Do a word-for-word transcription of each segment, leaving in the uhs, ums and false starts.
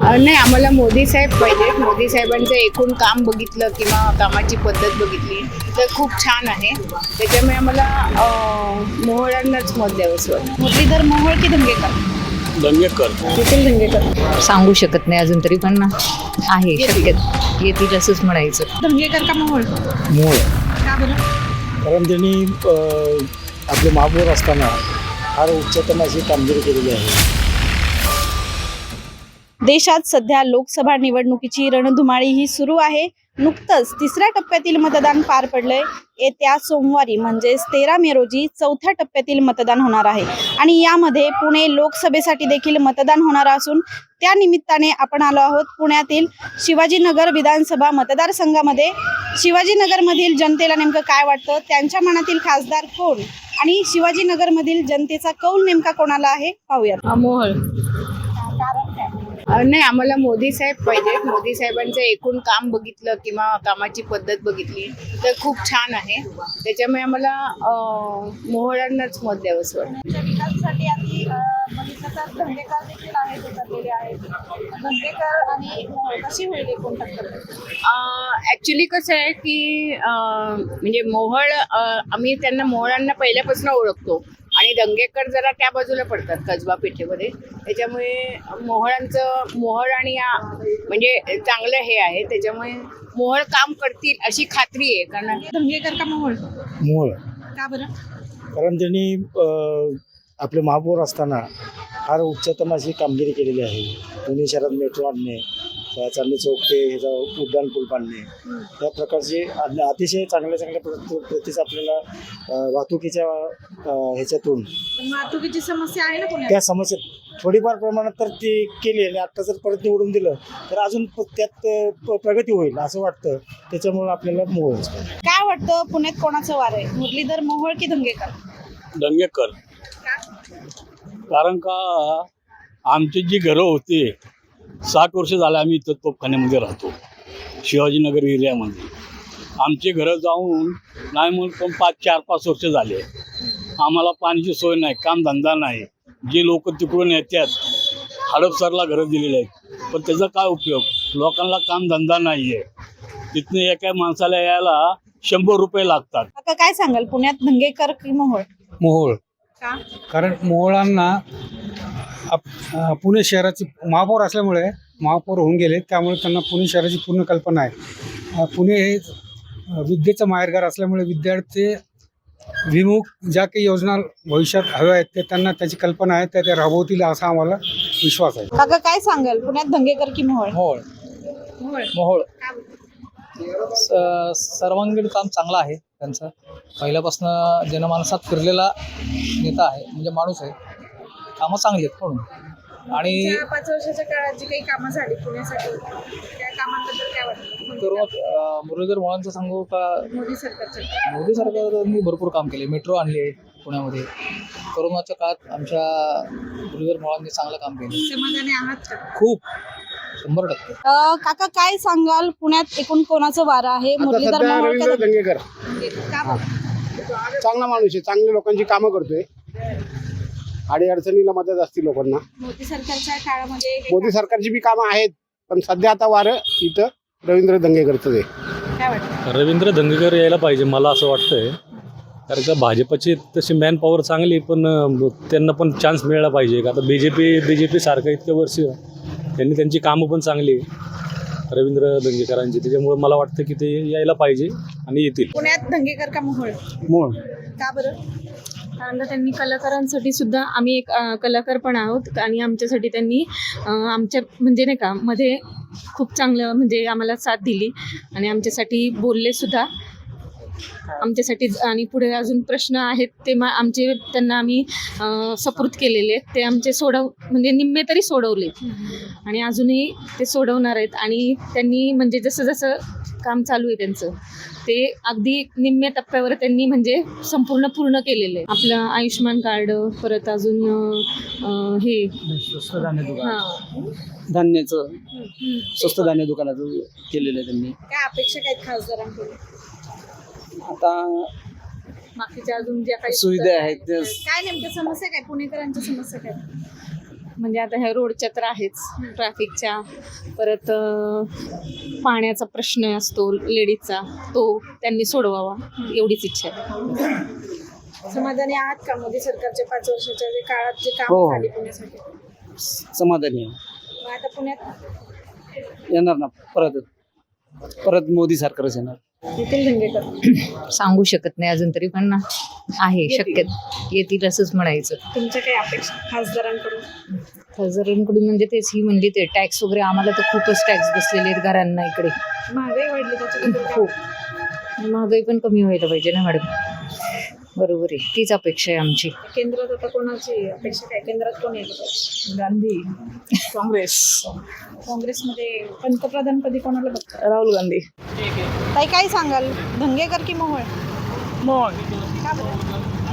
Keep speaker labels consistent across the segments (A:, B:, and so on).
A: नाही, आम्हाला मोदी साहेब पाहिजे. मोदी साहेबांचं एकूण काम बघितलं किंवा कामाची पद्धत बघितली तर खूप छान आहे. त्याच्यामुळे आम्हाला अं, मोहोळांनाच मत द्यावंसं वाटतं.
B: मुरलीधर मोहोळ की धंगेकर?
C: दंगेकर.
A: नितीन धंगेकर.
D: सांगू शकत नाही अजून तरी, पण आहे शक्यत येतील असंच म्हणायचं.
B: धंगेकर का मोहोळ?
C: मूळ
B: का बरं?
C: कारण त्यांनी अ, आपले महापौर असताना फार उच्चतम अशी कामगिरी केलेली आहे.
B: देशात सध्या लोकसभा निवडणुकीची रणधुमाळी ही सुरू आहे. नुकतंच तिसऱ्या टप्प्यातील मतदान पार पडलंय. येत्या सोमवारी म्हणजेच तेरा मे रोजी चौथ्या टप्प्यातील मतदान होणार आहे आणि यामध्ये पुणे लोकसभेसाठी देखील मतदान होणार असून त्या निमित्ताने आपण आलो आहोत पुण्यातील शिवाजीनगर विधानसभा मतदारसंघामध्ये. शिवाजीनगरमधील जनतेला नेमकं काय वाटतं, त्यांच्या मनातील खासदार कोण आणि शिवाजीनगरमधील जनतेचा कौल नेमका कोणाला आहे पाहूयात.
A: मोहोळ. नाही, आम्हाला मोदी साहेब पाहिजे. मोदी साहेबांचं एकूण काम बघितलं किंवा कामाची पद्धत बघितली तर खूप छान आहे. त्याच्यामुळे आम्हाला अं, मोहोळांनाच मत द्यावंसं वाटतं.
B: विकासासाठी आधी बघितलं तर धंगेकर देखील आहेत उतरलेले आहेत. धंगेकर आणि मोहोळ कशी होईल एकूण टक्कर?
A: ॲक्च्युली कसं आहे की अं, म्हणजे मोहोळ अं, आम्ही त्यांना मोहोळांना पहिल्यापासून ओळखतो आणि दंगेकर जरा त्या बाजूला पडतात कसबा पेठेमध्ये. त्याच्यामुळे मोहोळांचं मोहोळ आणि या म्हणजे चांगलं हे आहे. त्याच्यामुळे मोहोळ काम करतील अशी खात्री आहे. कारण
B: धंगेकर का मोहोळ?
C: मूळ
B: का बरं?
C: कारण त्यांनी अ, आपले महापौर असताना फार उच्चतम अशी कामगिरी केलेली आहे. पुणे शहरात मेट्रो आणणे, चांदणी चौक ते ह्याचा उड्डाण पूल बांधणे, या प्रकारचे अन- अतिशय चांगल्या चांगल्या प्रति प्रतीचं आपल्याला अ, वाहतुकीच्या अ, ह्याच्यातून
B: पण वाहतुकीची समस्या आहे ना पुण्यात?
C: त्या समस्या थोडीफार प्रमाणात तर ती केली आणि आता जर परत निवडून दिलं तर अजून प- त्यात अ, प- प्रगती होईल असं वाटतं. त्याच्यामुळे आपल्याला मोहळच पाहिजे.
B: काय वाटतं पुण्यात कोणाचं वार आहे, मुरलीधर मोहोळ की धंगेकर?
E: दंगेकर. कारण का आमची जी घरं होती साठ वर्ष झाले आम्ही इथं तोपखान्यामध्ये राहतो शिवाजीनगर एरियामध्ये. आमचे घरं जाऊन नाही म्हणून पण पाच चार पाच वर्ष झाले. आम्हाला पाण्याची सोय नाही, कामधंदा नाही. जे लोक तिकडून येतात हडपसरला घरं दिलेले आहेत, पण त्याचा काय उपयोग? लोकांना कामधंदा नाही आहे. तिथनं एका माणसाला यायला शंभर रुपये लागतात.
B: काका काय सांगाल, पुण्यात धंगेकर की मोहोळ?
F: मोहोळ.
B: का?
F: कारण मोहोळांना आप अ, पुणे शहराची महापौर असल्यामुळे महापौर होऊन गेले, त्यामुळे त्यांना पुणे शहराची पूर्ण कल्पना आहे. अ, पुणे हे अ, विद्येचं माहेरघर असल्यामुळे विद्यार्थी विमुख ज्या काही योजना भविष्यात हव्या आहेत ते त्यांना त्याची कल्पना आहे, त्या त्या राबवतील असा आम्हाला विश्वास आहे.
B: काका काय सांगाल, पुण्यात धंगेकर की मोहोळ?
G: मोहोळ.
B: मोहोळ.
G: मोहोळ
B: का बरं?
G: स- सर्वांगीण काम चांगलं आहे त्यांचं. पहिल्यापासून जनमानसात फिरलेला नेता आहे, म्हणजे माणूस आहे. कामं चांगली आहेत म्हणून. आणि
B: मागच्या पाच वर्षाच्या काळात जी काही कामं झाली पुण्यासाठी त्या कामांबद्दल काय वाटतं?
G: करोना अं, मुरलीधर मोहोळांचं सांगू का,
B: मोदी सरकारच्या
G: मोदी सरकारने भरपूर काम केले. मेट्रो आणली आहे पुण्यामध्ये. करोनाच्या काळात आमच्या मुरलीधर मोहोळांनी चांगलं काम केलं.
B: समाधानी आहात का?
G: खूप शंभर टक्के.
B: अ, काका काय सांगाल, पुण्यात एकूण कोणाचं वारं आहे, मुरलीधर मोहोळ का
H: दंगेकर.
B: धंगेकर? का बरं?
H: चांगला माणूस आहे, चांगली लोकांची कामं करतोय. आणि अडचणीला मदत असते लोकांना.
B: मोदी सरकारच्या काळामध्ये हे
H: मोदी सरकारची बी कामं आहेत, पण सध्या आता वारं इथं रवींद्र दंगेकरचं आहे.
B: काय वाटतं?
I: रवींद्र धंगेकर यायला पाहिजे मला असं वाटतंय. कारण का भाजपची तशी मॅन पॉवर चांगली, पण अं, त्यांना पण चान्स मिळाला पाहिजे. का आता B J P B J P सारखं इतक्या वर्ष त्यांनी त्यांची कामं पण चांगली रवींद्र दंगेकरांची. त्याच्यामुळे मला वाटतं की ते यायला पाहिजे आणि येतील.
B: पुण्यात धंगेकर का मोहोळ?
C: मूळ
B: का बरं?
J: कारण का त्यांनी कलाकारांसाठी सुद्धा, आम्ही एक अ, कलाकार पण आहोत आणि आमच्यासाठी त्यांनी अ, आमच्या म्हणजे नाही का मध्ये खूप चांगलं म्हणजे आम्हाला साथ दिली आणि आमच्यासाठी बोलले सुद्धा आमच्यासाठी. आणि पुढे अजून प्रश्न आहेत ते मा आमचे त्यांना आम्ही अ, सुपूर्द केलेले आहेत. ते आमचे सोडव म्हणजे निम्मे तरी सोडवले आणि अजूनही ते सोडवणार आहेत. आणि त्यांनी म्हणजे जसं जसं काम चालू आहे त्यांचं ते अगदी निम्म्या टप्प्यावर त्यांनी म्हणजे संपूर्ण पूर्ण केलेलं आहे. आपलं आयुष्यमान कार्ड, परत अजून अं, हे
G: स्वस्त धान्य दुकान,
J: हां
G: धान्याचं स्वस्त धान्य दुकानाचं केलेलं आहे त्यांनी.
B: काय अपेक्षा काय आहेत खासदारांकडून?
G: आता
J: बाकीच्या अजून ज्या काही
G: सुविधा आहेत त्या
B: काय नेमक्या समस्या काय, पुणेकरांच्या समस्या काय?
J: म्हणजे आता ह्या रोडच्या तर आहेच, ट्रॅफिकच्या, परत अं, पाण्याचा प्रश्न असतो लेडीजचा, तो त्यांनी सोडवावा एवढीच इच्छा आहे.
B: समाधानी आहात का मोदी सरकारच्या पाच वर्षाच्या जे काळात जे काम
G: हो.
B: झाले पुण्यासाठी?
G: समाधानी आहे.
B: मग आता पुण्यात
G: येणार ना परत परत मोदी सरकारच येणार.
B: येथील धंगेकर
D: सांगू शकत नाही अजून तरी, पण आहे शक्य येतील असंच म्हणायचं.
B: तुमच्या काही अपेक्षा खासदारांकडून?
D: खासदारांकडून म्हणजे तेच ही म्हणली ते टॅक्स वगैरे आम्हाला तर खूपच टॅक्स बसलेले आहेत घरांना इकडे.
B: महागाई वाढली त्याच्याबद्दल काय?
D: खूप महागाई पण कमी व्हायला पाहिजे ना मॅडम. बरोबर आहे, तीच अपेक्षा आहे आमची.
B: केंद्रात आता कोणाची अपेक्षा काय? केंद्रात कोण येईल?
A: गांधी, काँग्रेस,
B: काँग्रेसमध्ये पंतप्रधान पदी कोणाला बघतात?
A: राहुल गांधी.
B: ताई काय सांगाल, धंगेकर की मोहोळ?
A: मोहोळ.
B: का बरं?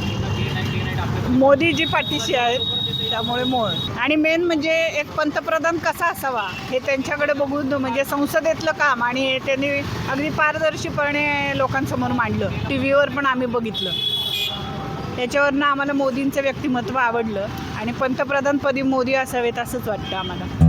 A: मोदीजी पाठीशी आहेत त्यामुळे मोहोळ. आणि मेन म्हणजे एक पंतप्रधान कसा असावा हे त्यांच्याकडे बघून, म्हणजे संसदेतलं काम आणि हे त्यांनी अगदी पारदर्शीपणे लोकांसमोर मांडलं. टी व्हीवर पण आम्ही बघितलं. त्याच्यावरनं आम्हाला मोदींचं व्यक्तिमत्व आवडलं आणि पंतप्रधानपदी मोदी असावेत असंच वाटतं आम्हाला.